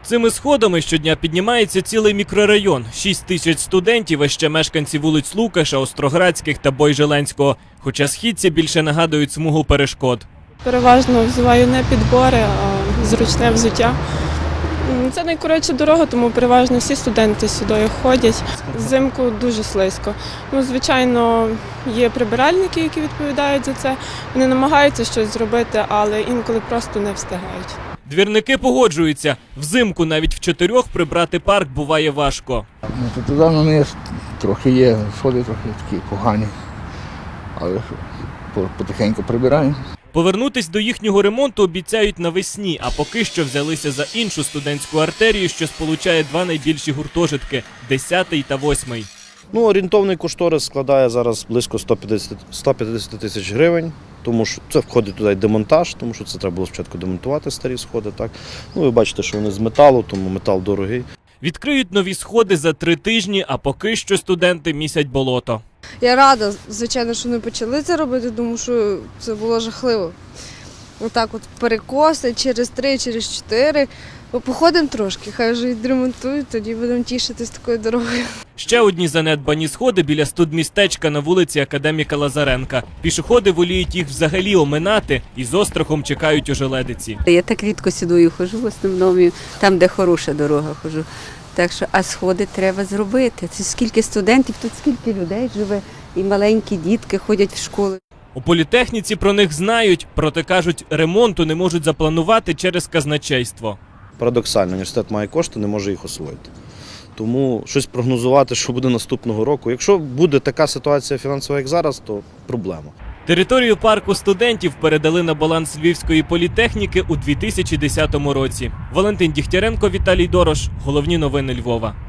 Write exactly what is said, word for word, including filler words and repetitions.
Цими сходами щодня піднімається цілий мікрорайон. Шість тисяч студентів, а ще мешканці вулиць Лукаша, Остроградських та Бойжеленського. Хоча східці більше нагадують смугу перешкод. Переважно взуваю не підбори, а зручне взуття. Це найкоротша дорога, тому переважно всі студенти сюди ходять. Взимку дуже слизько. Ну, звичайно, є прибиральники, які відповідають за це. Вони намагаються щось зробити, але інколи просто не встигають. Двірники погоджуються. Взимку навіть в чотирьох прибрати парк буває важко. Ну, то туди на них трохи є, сходи трохи такі погані, але потихеньку прибираємо. Повернутись до їхнього ремонту обіцяють навесні, а поки що взялися за іншу студентську артерію, що сполучає два найбільші гуртожитки – десятий та восьмий. Ну, орієнтовний кошторис складає зараз близько сто п'ятдесят тисяч гривень, тому що це входить туди демонтаж, тому що це треба було спочатку демонтувати старі сходи. Так? Ну, ви бачите, що вони з металу, тому метал дорогий. Відкриють нові сходи за три тижні, а поки що студенти місять болото. Я рада, звичайно, що не почали це робити, тому що це було жахливо. Отак от перекоси через три, через чотири. Походимо трошки, хай вже відремонтують, тоді будемо тішитись такою дорогою. Ще одні занедбані сходи біля студмістечка на вулиці Академіка Лазаренка. Пішоходи воліють їх взагалі оминати і з острахом чекають ожеледиці. Я так рідко сюди хожу, в основному там, де хороша дорога хожу. Так що, а сходи треба зробити. Це скільки студентів, тут скільки людей живе, і маленькі дітки ходять в школу. У політехніці про них знають, проте кажуть, ремонту не можуть запланувати через казначейство. Парадоксально, університет має кошти, не може їх освоїти. Тому щось прогнозувати, що буде наступного року. Якщо буде така ситуація фінансова, як зараз, то проблема. Територію парку студентів передали на баланс Львівської політехніки у дві тисячі десятому році. Валентин Дігтяренко, Віталій Дорош. Головні новини Львова.